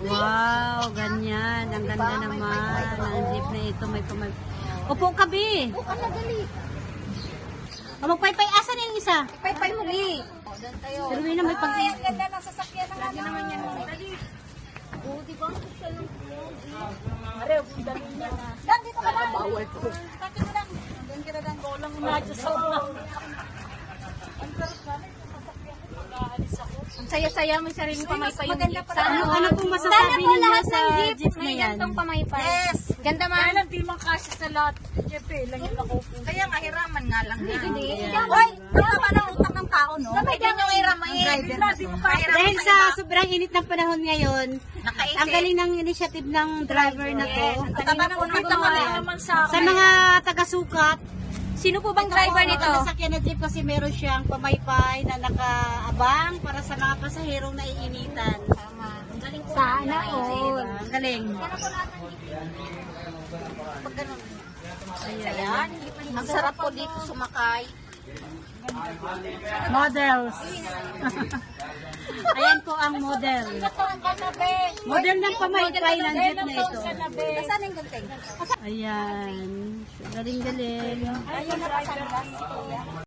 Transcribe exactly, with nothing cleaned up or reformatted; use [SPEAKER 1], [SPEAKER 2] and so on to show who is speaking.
[SPEAKER 1] Wow, ganyan. Ang ganda naman. Ang jeep na ito may pamay. Upo ka, Bi.
[SPEAKER 2] Bukan na gali.
[SPEAKER 1] O, magpaypay. Asan yung isa?
[SPEAKER 2] Pay-pay muli. O, doon tayo.
[SPEAKER 1] Pero yun na may pag-
[SPEAKER 2] Ay, ang ganda ng sasakyan ng lagi naman yan. Dali. O, di ba? Siya lang. Are, dali niya na. Dan, dito ka lang. Bawal ko. Dati mo lang. Doon ka na lang. Golang na. Diyos ako lang. Ang sarap namin.
[SPEAKER 3] Ang saya-saya may sariling pamaypay yung
[SPEAKER 2] maganda
[SPEAKER 3] jeep.
[SPEAKER 2] pala.
[SPEAKER 1] Ano, ano pong masasabi
[SPEAKER 3] Sana po
[SPEAKER 1] ninyo
[SPEAKER 3] lahat
[SPEAKER 1] sa
[SPEAKER 3] ng jeep,
[SPEAKER 1] jeep na
[SPEAKER 3] may
[SPEAKER 1] yan?
[SPEAKER 3] gantong pamaypay.
[SPEAKER 2] Yes.
[SPEAKER 3] Ganda man.
[SPEAKER 2] Kaya lang, di man kasya sa lahat. Jepe, lang yung nakupo. Kaya nga, hiraman nga lang. Hindi,
[SPEAKER 3] hindi.
[SPEAKER 2] Hoy, tama ng utak ng tao, no? Pwede nyo hiramahin.
[SPEAKER 1] Dahil sa sobrang init ng panahon ngayon,
[SPEAKER 2] Nakaisip.
[SPEAKER 1] ang galing ng initiative ng driver na to.
[SPEAKER 2] Ang taba ng utak naman sa
[SPEAKER 1] Sa mga taga-sukat,
[SPEAKER 3] Sino po bang driver nito?
[SPEAKER 1] Ang sasakyan na jeep kasi meron siyang pamaypay na nakaabang para sa mga pasaherong naiinitan.
[SPEAKER 2] Ang galing po.
[SPEAKER 3] Sana all.
[SPEAKER 1] Ang galing.
[SPEAKER 2] Pag ganun. Ayan. Ang sarap po dito sumakay.
[SPEAKER 1] Models. Ayan po ang model. Model ng pamaypay ng jeep na ito.
[SPEAKER 2] Nasaan yung ganteng?
[SPEAKER 1] Ayan. Galing-galing.
[SPEAKER 2] Ayun, nakasanglas.